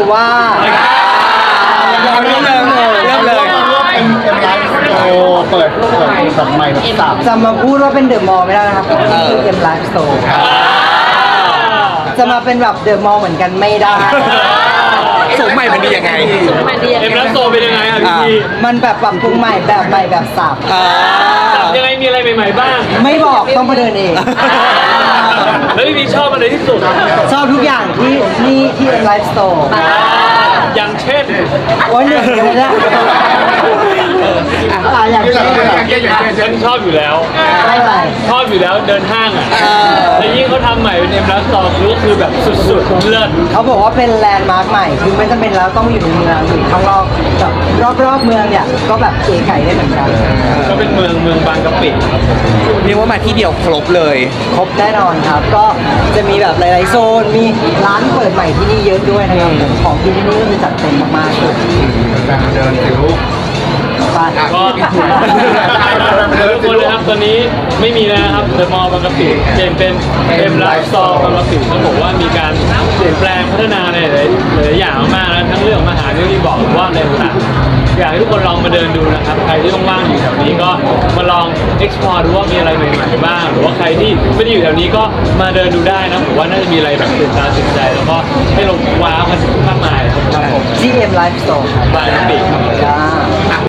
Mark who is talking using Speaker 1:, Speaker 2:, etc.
Speaker 1: รือว่า
Speaker 2: เอาเริ่มเลยเริ่มเลย
Speaker 3: เปิดแบบใหม่แบบสับ
Speaker 1: จะมาพูดว่าเป็นเดอะมอลล์ไม่ได้นะครับคือเอ็มไลฟ์สโตร์จะมาเป็นแบบเดอะมอลล์เหมือนกันไม่ได้
Speaker 2: สูงใหม่มันดียังไง
Speaker 4: เอ็มรัสโซเป็นยังไงอ่ะพี่พี
Speaker 1: มันแบบปรับปรุงใหม่แบบใหม่แบบสับ
Speaker 4: ยังไงมีอะไรใหม่ๆบ้าง
Speaker 1: ไม่บอกต้องมาเดินเอง
Speaker 4: แล้วพี่พีชอบอะไรที่สุด
Speaker 1: ชอบทุกอย่างที่เอ็มไลฟ์สโตร์
Speaker 4: อย่างเช่น
Speaker 1: โอ้ยเหนื่อยเลยนะอย่างเช่น
Speaker 4: ฉันชอบอยู่แล้ว
Speaker 1: อะไร
Speaker 4: ชอบอยู่แล้วเดินห้างอ่ะแต่ยิ่งเขาทำใหม่เป็นเอ็มรัสโซก็คือแบบสุดๆเลิศ
Speaker 1: เขาบอกว่าเป็นแลนด์มาร์คใหม่คือไม่จำเป็นแล้วต้องอยู่ในเมืองอยู่ข้างนอกแบบรอบๆเมืองเนี่ยก็แบบเก๋ไก่ได้เหมือนกัน
Speaker 4: ก็เป็นเมืองบางกะปิครับ
Speaker 2: เรียกว่ามาที่เดียวครบเลย
Speaker 1: ครบแน่นอนครับ ก็จะมีแบบหลายๆโซน มีร้านเปิดใหม่ที่นี่เยอะด้วยนะครับผมของที่นี่ก็คือจัดเต็มมากๆเลย
Speaker 3: เดินสิลูก
Speaker 1: ไป
Speaker 4: ก็ทุกคนนะครับตอนนี้ไม่มีแล้วนะครับเดอะมอลล์บางกะปิเปลี่ยนเป็นเอ็มไลฟ์สโตร์บางกะปิต้องบอกว่ามีการเปลี่ยนแปลงพัฒนาในหลายอย่างมากนะทั้งเรื่องของอาหารที่บอกหรือว่าอะไรต่างๆอยากให้ทุกคนลองมาเดินดูนะครับใครที่ว่างๆอยู่แถวนี้ก็มาลอง explore ดูว่ามีอะไรใหม่ๆบ้างหรือว่าใครที่ไม่ได้อยู่แถวนี้ก็มาเดินดูได้นะผมว่าน่าจะมีอะไรแบบตื่นตาตื่นใจแล้วก็ให้ลงว้าวกันมากมายครับผม
Speaker 1: GM Live Store ครับ
Speaker 4: บางกะปิครับ
Speaker 1: จ้า